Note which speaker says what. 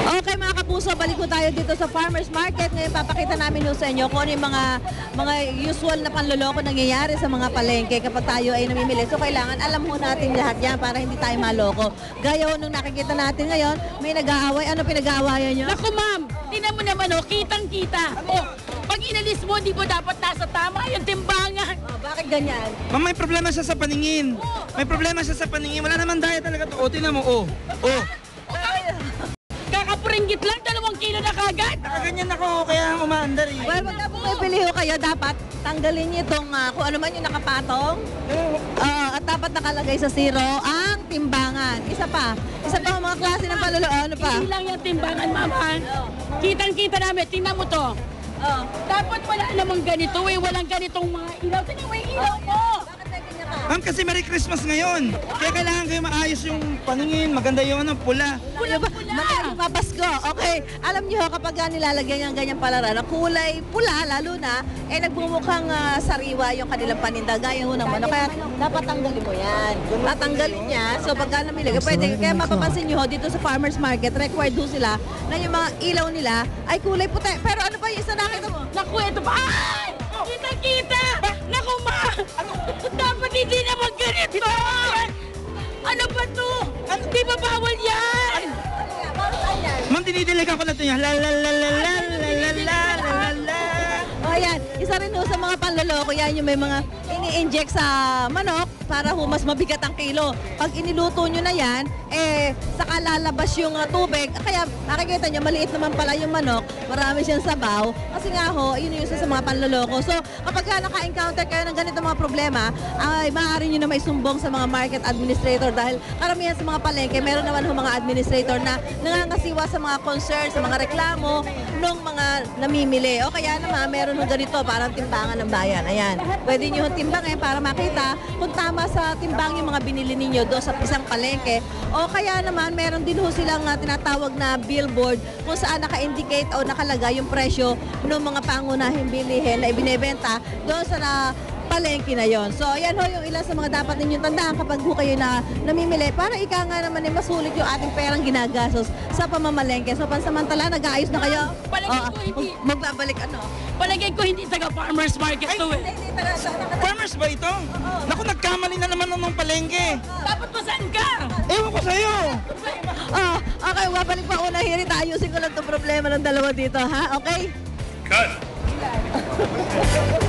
Speaker 1: Okay mga kapuso, balik ko tayo dito sa Farmers Market. Ngayon papakita namin sa inyo kung ano yung mga usual na panloloko nangyayari sa mga palengke kapag tayo ay namimili. So kailangan alam mo natin lahat yan para hindi tayo maloko. Gaya nung nakikita natin ngayon, may nag-aaway. Ano pinag-aawayan nyo?
Speaker 2: Naku ma'am, tinan mo naman kitang-kita. Pag inalis mo, di mo dapat nasa tama yung timbangan.
Speaker 1: Bakit ganyan?
Speaker 3: Ma'am, may problema siya sa paningin. May problema siya sa paningin. Wala naman daya talaga to. Tingnan mo,
Speaker 2: Kakapuringgit lang, 2 kilo na kagad.
Speaker 3: Nakaganyan ako, kaya umaandar eh.
Speaker 1: Well, pag bumibili ho kayo, dapat tanggalin niyo itong kung ano man yung nakapatong. At dapat nakalagay sa zero ang timbangan. Isa pa ang mga klase ng panloloko. Ano pa?
Speaker 2: Hindi lang yung timbangan, mama. Kitang-kita namin, tingnan mo to. Dapat wala namang ganito walang ganitong mga ilaw. Tingnan mo yung ilaw mo.
Speaker 3: Ma'am, kasi Merry Christmas ngayon. Kaya kailangan kayo maayos yung paningin. Maganda yung pula.
Speaker 1: Magaling mapasko. Okay. Alam niyo kapag nilalagyan ng ganyang palaran na kulay pula, lalo na, nagbumukhang sariwa yung kanilang paninda. Gaya ho ng manok. Kaya dapat tanggalin mo yan. Tatanggalin niya. So pagka namili, pwede. Kaya mapapansin niyo dito sa Farmers Market, required ho sila na yung mga ilaw nila ay kulay puti. Pero ano ba yung isa nakita mo?
Speaker 2: Naku, ito pa. Ay! Kita-kita! Naku, ma! Dapat hindi naman ganito! Ano ba to? Di ba bawal yan?
Speaker 3: Ma'am, dinidiligan ko na ito yan. La la la la la la la la la la.
Speaker 1: O ayan, isa rin ho sa mga panloloko yan yung may mga ini-inject sa manok para ho mas mabigat ang kilo. Pag iniluto nyo na yan, saka lalabas yung tubig. Kaya nakikita nyo, maliit naman pala yung manok, marami siyang sabaw. Kasi nga ho, yun yung isa sa mga panloloko. So kapag naka-encounter kayo ng ganito mga problema, ay maaari nyo na may sumbong sa mga market administrator dahil karamihan sa mga palengke, meron naman ho mga administrator na nangangasiwa sa mga concern, sa mga reklamo ng mga namimili. O kaya naman, meron ho ganito, parang timbangan ng bayan. Ayan, pwede nyo timbangin para makita kung tama sa timbang yung mga binili ninyo doon sa isang palengke. O kaya naman, meron din ho silang tinatawag na billboard kung saan naka-indicate o nakalagay yung presyo ng mga pangunahing bilihin na ibinebenta doon sa palengke na yon. So, ayan ho yung ilan sa mga dapat ninyong tandaan kapag ho kayo na namimili para ika nga naman masulit yung ating perang ginagastos sa pamamalengke. So, pansamantala, nag-aayos na kayo?
Speaker 2: Palagay ko hindi.
Speaker 1: Magbabalik
Speaker 2: Palagay ko hindi taga Farmers Market to
Speaker 3: Farmers ba ito? Naku, nagkamali na naman ng palengke.
Speaker 2: Dapat pa saan ka?
Speaker 3: Ewan ko sa'yo.
Speaker 1: Okay, babalik pa una hirit. Ayusin ko lang itong problema ng dalawa dito, ha? Okay?
Speaker 4: Cut!